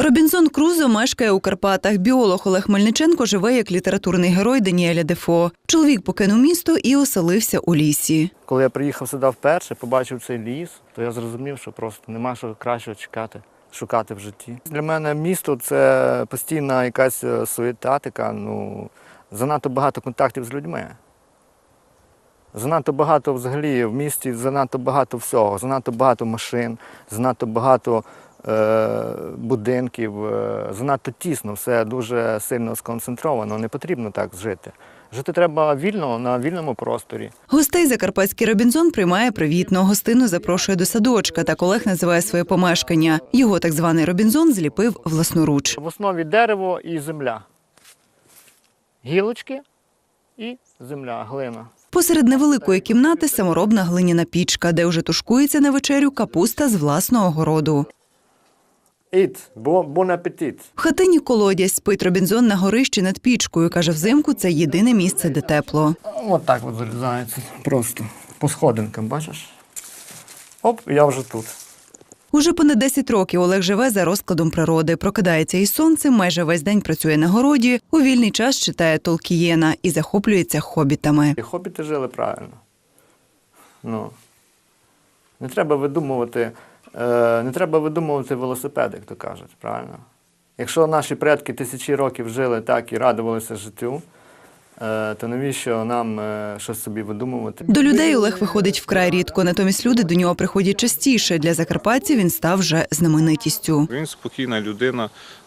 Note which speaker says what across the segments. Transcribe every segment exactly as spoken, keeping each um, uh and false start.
Speaker 1: Робінзон Крузо мешкає у Карпатах. Біолог Олег Мельниченко живе як літературний герой Даніеля Дефо. Чоловік покинув місто і оселився у лісі.
Speaker 2: Коли я приїхав сюди вперше, побачив цей ліс, то я зрозумів, що просто нема що кращого чекати, шукати в житті. Для мене місто – це постійна якась суєта така, ну, занадто багато контактів з людьми. Занадто багато взагалі в місті, занадто багато всього, занадто багато машин, занадто багато е, будинків, е, занадто тісно, все дуже сильно сконцентровано, не потрібно так жити. Жити треба вільно, на вільному просторі.
Speaker 1: Гостей закарпатський Робінзон приймає привітно. Гостину запрошує до садочка. Так Олег називає своє помешкання. Його так званий Робінзон зліпив власноруч.
Speaker 2: В основі дерево і земля. Гілочки і земля, глина.
Speaker 1: Посеред невеликої кімнати саморобна глиняна пічка, де вже тушкується на вечерю капуста з власного городу.
Speaker 2: Eat, bon апетит.
Speaker 1: В хатині колодязь, спить Робінзон на горищі над пічкою. Каже, взимку це єдине місце, де тепло.
Speaker 2: Ось так от залізається, просто по сходинкам, бачиш? Оп, я вже тут.
Speaker 1: Уже понад десять років Олег живе за розкладом природи. Прокидається із сонцем, майже весь день працює на городі, у вільний час читає Толкієна і захоплюється хобітами.
Speaker 2: І хобіти жили правильно. Ну, не треба видумувати, е, не треба видумувати велосипед, як то кажуть, правильно? Якщо наші предки тисячі років жили так і радувалися життю, е, то навіщо нам е, щось собі видумувати?
Speaker 1: До людей Олег виходить вкрай рідко, натомість люди до нього приходять частіше. Для закарпатців він став вже знаменитістю.
Speaker 3: Він спокійна людина.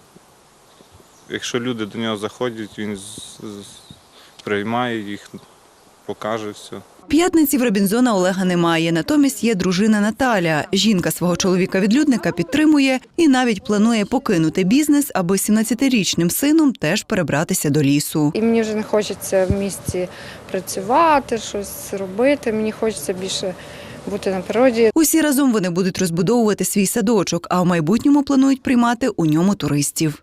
Speaker 3: Якщо люди до нього заходять, він з- з- приймає їх, покаже все.
Speaker 1: П'ятниці в Робінзона Олега немає, натомість є дружина Наталя. Жінка свого чоловіка-відлюдника підтримує і навіть планує покинути бізнес, аби сімнадцятирічним сином теж перебратися до лісу.
Speaker 4: І мені вже не хочеться в місті працювати, щось робити, мені хочеться більше бути на природі.
Speaker 1: Усі разом вони будуть розбудовувати свій садочок, а в майбутньому планують приймати у ньому туристів.